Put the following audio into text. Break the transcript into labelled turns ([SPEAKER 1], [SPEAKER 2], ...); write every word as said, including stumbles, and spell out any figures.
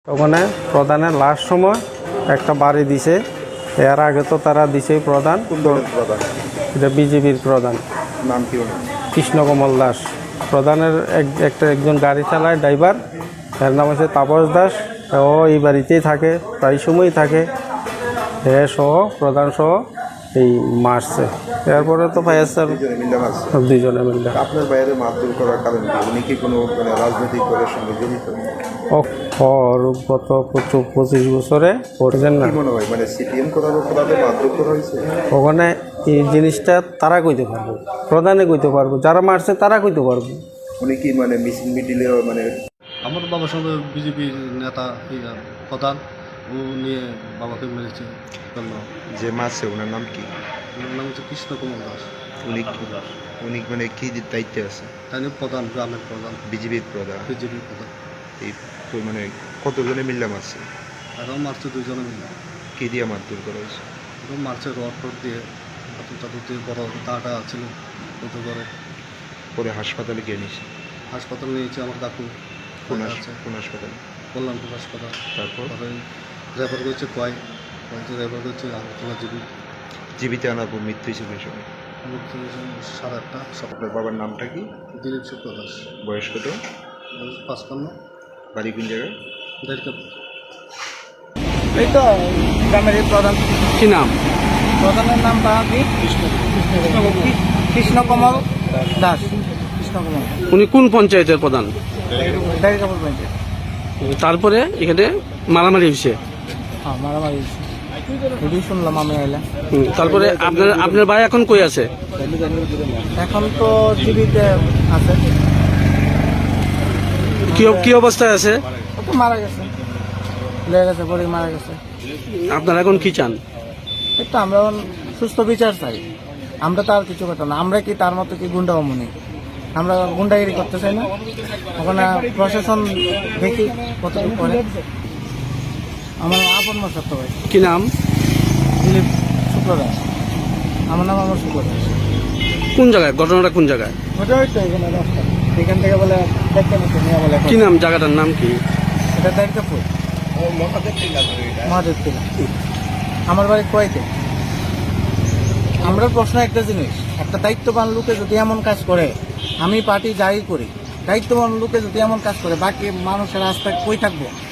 [SPEAKER 1] ওখানে প্রধানের লাস্ট সময় একটা বাড়ি দিছে, এর আগে তো তারা দিছে প্রধান, এটা বিজেপির প্রধান
[SPEAKER 2] নাম কি ওনার?
[SPEAKER 1] কৃষ্ণকমল দাস। প্রধানের এক- একটা একজন গাড়ি চালায় ড্রাইভার, এর নাম হচ্ছে তাপস দাস। ও এই বাড়িতেই থাকে, প্রায় সময়ই থাকে। এ সহ প্রধান সহ এই মারছে। এরপরে তো ফায়ার সার্ভিস
[SPEAKER 2] দুজনে মিলে মারছে।
[SPEAKER 1] দুইজনে মিলে।
[SPEAKER 2] আপনার বাইরে মারধর করার কারণ কি? উনি কি কোনো মানে রাজনৈতিক দলের সঙ্গে জড়িত?
[SPEAKER 1] ও ওর গত পঁচিশ পঁচিশ বছরে পড়ছেন না
[SPEAKER 2] কি মনে হয় মানে সিপিএম করার অপরাধে মারধর করা হয়েছে?
[SPEAKER 1] ওখানে এই জিনিসটা তারা কইতে পারবো, প্রধানে কইতে পারবো, যারা মারছে তারা কইতে পারবো।
[SPEAKER 2] উনি কি মানে মিছিল মিডিলে মানে
[SPEAKER 3] আমার বাবার সঙ্গে বিজেপির নেতা এই প্রধান, ও নিয়ে বাবাকে মেরেছে। জন্য
[SPEAKER 2] যে মারছে ওনার নাম কি?
[SPEAKER 3] ওনার নাম হচ্ছে কৃষ্ণ কুমার দাস।
[SPEAKER 2] উনি উনি মানে কি দায়িত্বে আছে?
[SPEAKER 3] তাই নিয়ে প্রধান, গ্রামের প্রধান,
[SPEAKER 2] বিজেপির প্রধান।
[SPEAKER 3] বিজেপির প্রধান।
[SPEAKER 2] এই তো মানে কতজনে মিলে মারছে?
[SPEAKER 3] এখন মারছে দুজনে মিলে।
[SPEAKER 2] কি দিয়ে মারধর করা হয়েছে?
[SPEAKER 3] এখন মারছে রড টড দিয়ে, হাতুর টাতুর দিয়ে, বড় দাটা ছিল ওতে করে।
[SPEAKER 2] পরে হাসপাতালে গিয়ে নিছে।
[SPEAKER 3] হাসপাতালে নিয়েছে আমার কাকু,
[SPEAKER 2] কোন
[SPEAKER 3] আছে
[SPEAKER 2] হাস- কোন হাসপাতালে?
[SPEAKER 3] কল্যাণপুর হাসপাতাল।
[SPEAKER 2] তারপর
[SPEAKER 3] তারপরে রেফার করছে কয় কয়েকটা রেফার করছে আগরতলা জিবি।
[SPEAKER 2] জীবিত আনার পর মৃত্যু হিসেবে সময়।
[SPEAKER 3] সাড়ে আটটা সকাল।
[SPEAKER 2] আপনার বাবার নামটা কি?
[SPEAKER 3] দিলীপ শুক্র দাস,
[SPEAKER 2] বয়স কত?
[SPEAKER 3] বয়স পাঁচপান্ন,
[SPEAKER 2] বাড়ি কোন জায়গায়?
[SPEAKER 3] দেড় কাপ।
[SPEAKER 4] এই তো গ্রামের এই প্রধান,
[SPEAKER 1] কি নাম?
[SPEAKER 4] প্রধানের নামটা কি? কৃষ্ণকমল দাস। কৃষ্ণকমল
[SPEAKER 1] উনি কোন পঞ্চায়েতের প্রধান?
[SPEAKER 4] ডাইরি কাপড় পঞ্চায়েত।
[SPEAKER 1] তারপরে এখানে মারামারি হয়েছে।
[SPEAKER 4] হ্যাঁ, মারামারি হয়েছে। এটাই শুনলাম আমি এলাম।
[SPEAKER 1] হুম, তারপরে আপনার আপনার ভাই এখন কই আছে?
[SPEAKER 4] এখন তো জীবিতে আছে,
[SPEAKER 1] কি কি অবস্থায় আছে?
[SPEAKER 4] ও তো মারা গেছে, লেগে গেছে, পরে মারা গেছে।
[SPEAKER 1] আপনারা এখন কি চান?
[SPEAKER 4] এই তো আমরা এখন সুস্থ বিচার চাই। আমরা তো আর কিছু কথা না, আমরা কি তার মতো কি গুন্ডা অমনি? আমরা গুন্ডাগিরি করতে চাই না। ওখানে প্রশাসন দেখি কতটুকু করে। আমার আপন মশাত ভাই
[SPEAKER 1] কি নাম?
[SPEAKER 4] দিলীপ শুক্র দাস। আমার নাম আমার শুক্র দাস।
[SPEAKER 1] কোন জায়গায় ঘটনাটা, কোন জায়গায়?
[SPEAKER 4] ওটা ওই তো এখানে রাস্তা, এখান থেকে বলে দেখতে মতো নিয়ে বলে
[SPEAKER 1] কি নাম জায়গাটার নাম কি?
[SPEAKER 4] এটা দায়িত্বপুর মহাদেব টিলা। আমার বাড়ি কোয়াইতে। আমরা প্রশ্ন একটা জিনিস, একটা দায়িত্ববান লোকে যদি এমন কাজ করে, আমি পার্টি যাই করি, দায়িত্ববান লোকে যদি এমন কাজ করে, বাকি মানুষের আস্থা কই থাকবো?